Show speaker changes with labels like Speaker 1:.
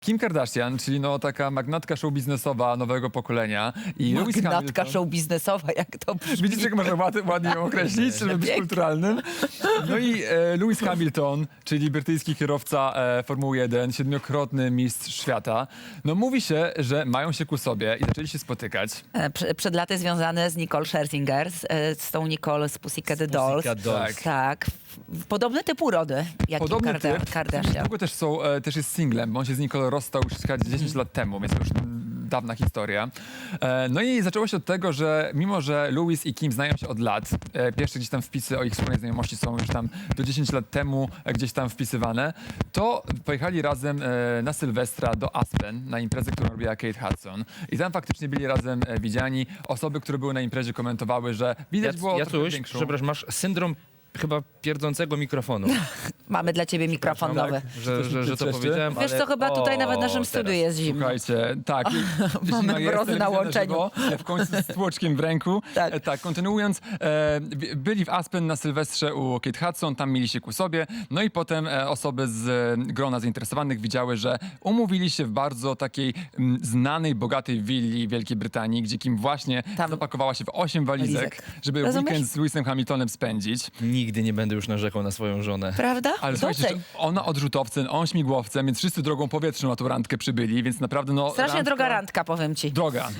Speaker 1: Kim Kardashian, czyli no taka magnatka show biznesowa nowego pokolenia i Lewis
Speaker 2: Magnatka
Speaker 1: Hamilton.
Speaker 2: show biznesowa, jak to brzmi.
Speaker 1: Widzicie, jak można ładnie ją określić, żeby być
Speaker 2: Pięknie.
Speaker 1: kulturalnym. No i Lewis Hamilton, czyli brytyjski kierowca Formuły 1, 7-krotny mistrz świata. No mówi się, że mają się ku sobie i zaczęli się spotykać.
Speaker 2: Przed laty związane z Nicole Scherzinger, z tą Nicole z Pussycat Dolls.
Speaker 3: Pussycat Dolls.
Speaker 2: Tak. Podobny typ urody, jak
Speaker 1: Podobny typ.
Speaker 2: Kardashian.
Speaker 1: Długo też jest singlem, bo on się z Nicole rozstał już chyba 10 lat temu, więc to już dawna historia. No i zaczęło się od tego, że mimo, że Lewis i Kim znają się od lat, pierwsze gdzieś tam wpisy o ich wspólnej znajomości są już tam do 10 lat temu gdzieś tam wpisywane, to pojechali razem na Sylwestra do Aspen, na imprezę, którą robiła Kate Hudson. I tam faktycznie byli razem widziani. Osoby, które były na imprezie, komentowały, że widać było trochę
Speaker 3: Jacuś,
Speaker 1: większą...
Speaker 3: przepraszam, masz syndrom chyba pierdzącego mikrofonu.
Speaker 2: Mamy dla ciebie mikrofon
Speaker 1: Tak.
Speaker 2: nowy.
Speaker 3: że to powiedziałem,
Speaker 2: Wiesz
Speaker 3: ale...
Speaker 2: co, chyba tutaj nawet w naszym
Speaker 3: teraz.
Speaker 2: studiu jest zimno.
Speaker 1: Słuchajcie, tak.
Speaker 2: Mamy
Speaker 1: zima jest,
Speaker 2: mrozy na
Speaker 1: telewizja
Speaker 2: łączeniu.
Speaker 1: żywo, w końcu z tłoczkiem w ręku.
Speaker 2: Tak.
Speaker 1: Tak, kontynuując, byli w Aspen na Sylwestrze u Kate Hudson, tam mieli się ku sobie, no i potem osoby z grona zainteresowanych widziały, że umówili się w bardzo takiej znanej, bogatej willi Wielkiej Brytanii, gdzie Kim właśnie
Speaker 2: Tam-
Speaker 1: zapakowała się w 8 walizek,
Speaker 2: Walizek.
Speaker 1: żeby
Speaker 2: Rozumiesz?
Speaker 1: weekend z Lewisem Hamiltonem spędzić.
Speaker 3: Nigdy nie będę już narzekał na swoją żonę.
Speaker 2: Prawda?
Speaker 1: Ale słuchajcie,
Speaker 2: Doceń.
Speaker 1: że ona odrzutowcem, on śmigłowcem, więc wszyscy drogą powietrzną na tą randkę przybyli, więc naprawdę no...
Speaker 2: Strasznie droga randka, powiem ci.
Speaker 1: Droga.